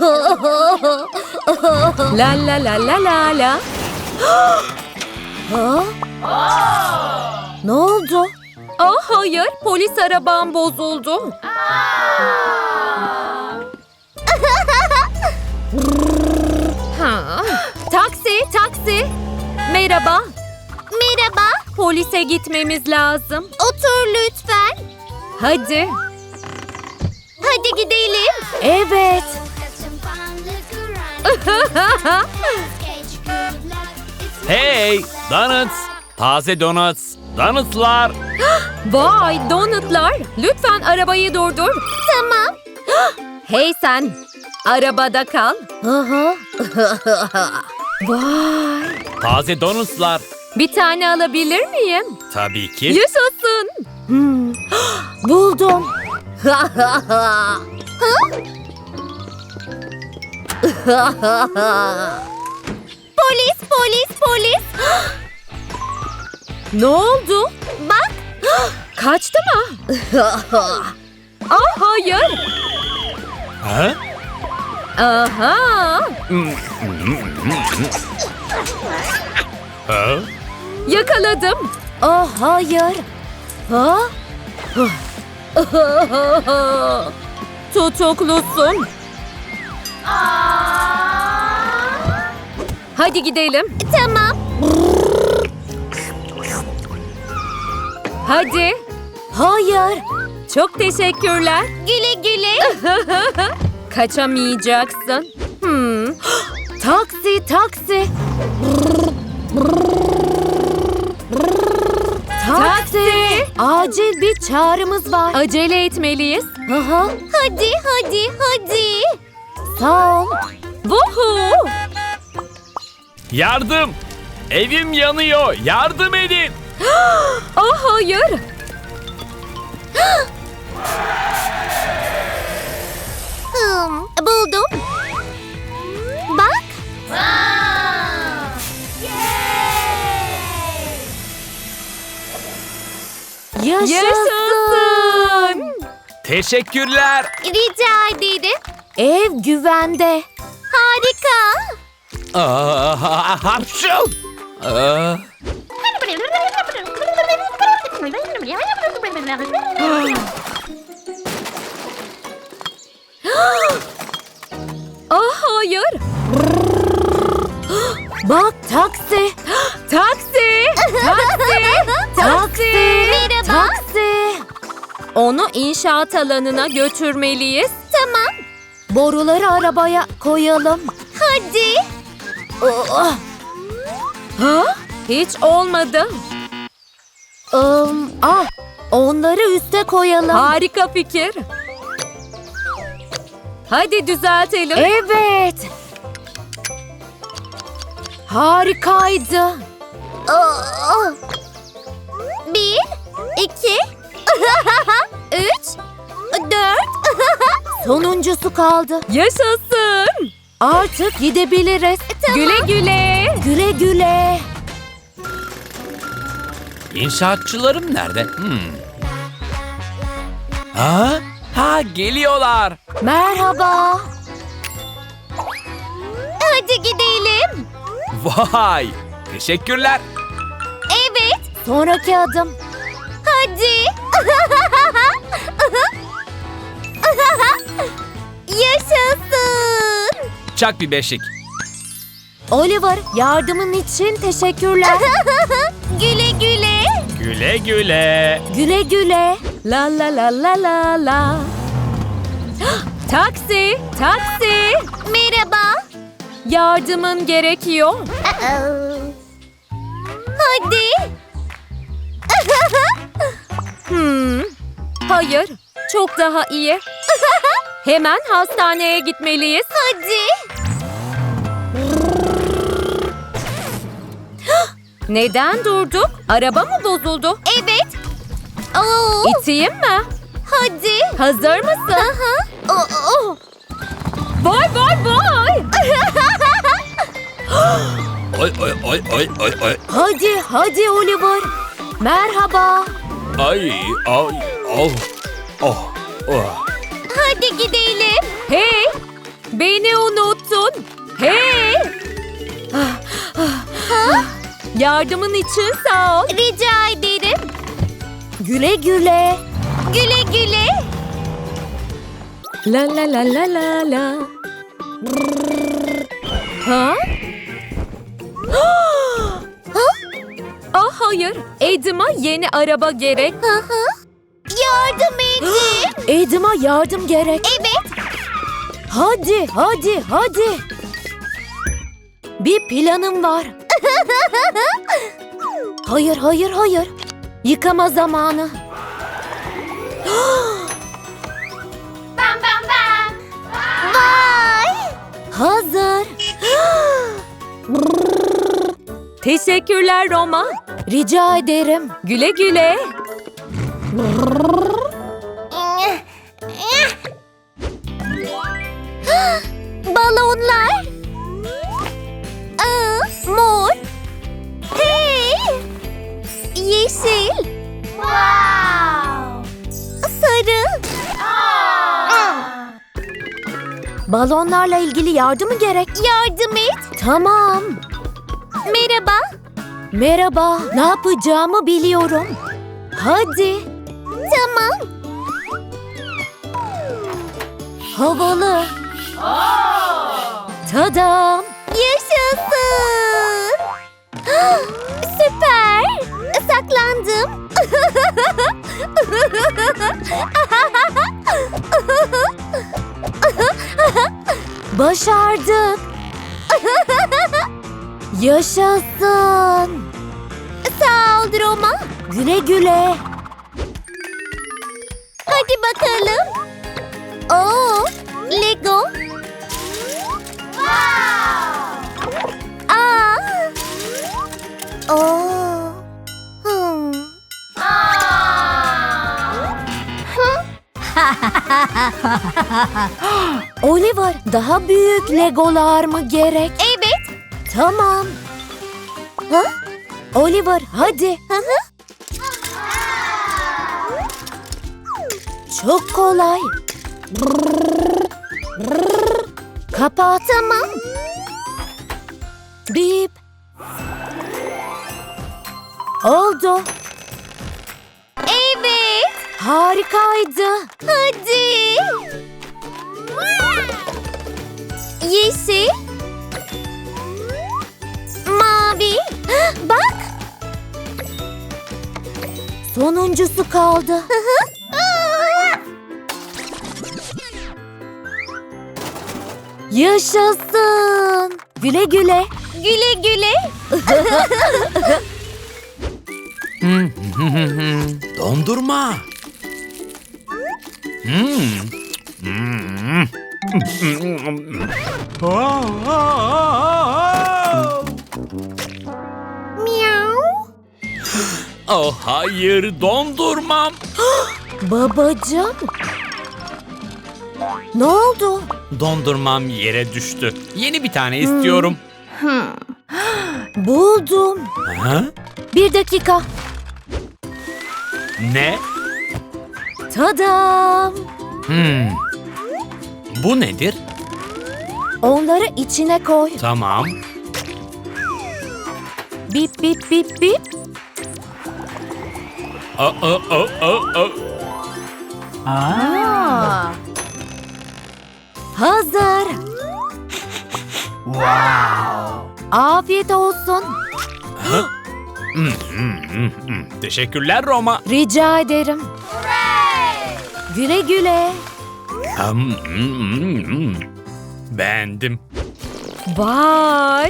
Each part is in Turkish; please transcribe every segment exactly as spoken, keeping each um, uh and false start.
La la la la la la. Ha? Ne oldu? Ah hayır, polis arabam bozuldu. Ha. Taksi, taksi. Merhaba. Merhaba. Polise gitmemiz lazım. Otur lütfen. Hadi. Hadi gidelim. Evet. Hey, donuts. Taze donuts. Donutlar. Vay, donutlar. Lütfen arabayı durdur. Tamam. Hey sen, arabada kal. Aha. Vay. Taze donutlar. Bir tane alabilir miyim? Tabii ki. Yaşasın. Hmm. Buldum. Polis, polis, polis. Ne oldu? Bak. Kaçtı mı? Ah hayır. Ha? Aha. Ha? Yakaladım. Ah hayır. Ha? Tutuklusun. Hadi gidelim. Tamam. Hadi. Hayır. Çok teşekkürler. Güle güle. Kaçamayacaksın. Hmm. Taksi, taksi. Taksi. Acil bir çağrımız var. Acele etmeliyiz. Aha. Hadi, hadi, hadi. Sağ ol. Vuhu. Yardım. Evim yanıyor. Yardım edin. Ah hayır. Hmm, buldum. Bak. Yaşasın. Yaşasın. Teşekkürler. Rica ederim. Ev güvende. Harika. Aa, hapşu. Aa, Ah hayır. Bak taksi. Taksi. Taksi. Taksi. Merhaba. Taksi. Onu inşaat alanına götürmeliyiz. Tamam. Boruları arabaya koyalım. Hadi. Oh. Ha? Hiç olmadı. Um, ah, onları üste koyalım. Harika fikir. Hadi düzeltelim. Evet. Harikaydı. Aa. Bir, iki, üç, dört. Sonuncusu kaldı. Yaşasın. Artık gidebiliriz. Güle güle. Güle güle. İnşaatçılarım nerede? Hmm. Ha? Ha, geliyorlar. Merhaba. Hadi gidelim. Vay. Teşekkürler. Evet. Sonraki adım. Hadi. Yaşasın. Çak bir beşik. Oliver, yardımın için teşekkürler. Güle güle. Güle güle. Güle güle. La la la la la la. Taksi. Taksi. Merhaba. Yardımın gerekiyor. Hadi. Hmm. Hayır. Çok daha iyi. Hemen hastaneye gitmeliyiz. Hadi. Neden durduk? Araba mı bozuldu? Evet. Oo. İteyim mi? Hadi. Hazır mısın? Aha. Oo. Vay vay vay. Ay ay ay ay ay ay. Hadi, hadi Oliver. Merhaba. Ay ay. Oh. Oh. Oh. Hadi gidelim. Hey. Beni unuttun. Hey! Ah, ah, ah. Yardımın için sağ ol. Rica ederim. Güle güle. Güle güle. La la la la la la. Ha? Ah hayır. Edim'a yeni araba gerek. Hı hı. Yardım edin. Edim'a yardım gerek. Evet. Hadi, hadi, hadi. Bir planım var. Hayır, hayır, hayır. Yıkama zamanı. Bam bam bam. Vay. Hazır. Teşekkürler Roma. Rica ederim. Güle güle. Balonlar. Aa, mor. Hey. Yeşil. Wow. Sarı. Balonlarla ilgili yardım mı gerek? Yardım et. Tamam. Merhaba. Merhaba. Ne yapacağımı biliyorum. Hadi. Tamam. Havalı. Tadam. Yaşasın. Süper. Saklandım. Başardık. Yaşasın. Sağ ol Roma. Güle güle. Hadi bakalım. Oo, Lego. Aa. Oo. Hmm. Oliver, daha büyük legolar mı gerek? Evet. Tamam. Ha? Oliver, hadi. Hı hı. Çok kolay. Kapat. Tamam. Bip. Oldu. Evet. Harikaydı. Hadi. Yeşil. Mavi. Bak. Sonuncusu kaldı. Yaşasın. Güle güle. Güle güle. Dondurma. Hmm. Hmm. Miau. Oh hayır, dondurmam. Babacığım. Ne oldu? Dondurmam yere düştü. Yeni bir tane istiyorum. Buldum. Ha? Bir dakika. Ne? Tadam. Hmm. Bu nedir? Onları içine koy. Tamam. Bip bip bip bip. Aa, aa, aa, aa. Hazır. Wow. Afiyet olsun. Ha? Hmm, hmm, hmm, hmm. Teşekkürler Roma. Rica ederim. Güle güle. Hmm, hmm, hmm, hmm. Beğendim. Vay.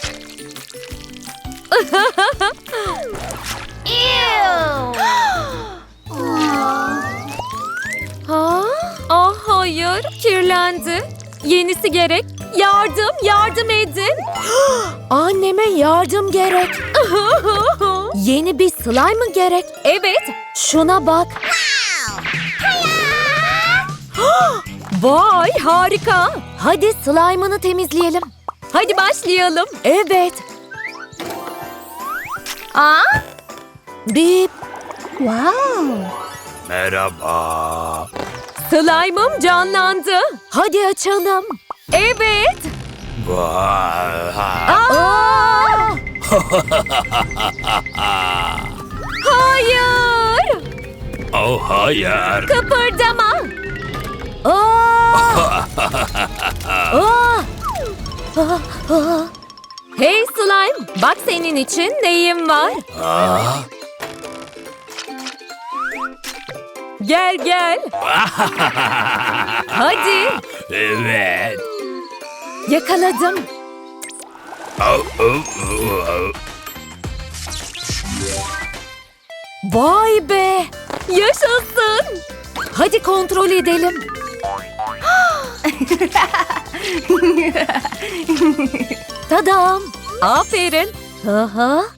Ha? Ah hayır, kirlendi. Yenisi gerek. Yardım, yardım edin. Anneme yardım gerek. Yeni bir slime mı gerek? Evet. Şuna bak. Vay harika. Hadi slime'ını temizleyelim. Hadi başlayalım. Evet. Aa. Bip. Wow. Merhaba. Slime'ım canlandı. Hadi açalım. Evet. Vay. Aa! Hayır. Oh hayır. Kıpırdama. Aa! Aa! Aa! Aa! Hey slime, bak senin için neyim var. Aa. Gel gel. Hadi. Evet. Yakaladım. Oh, oh, oh, oh. Vay be. Yaşasın. Hadi kontrol edelim. Tadam. Aferin. Aha.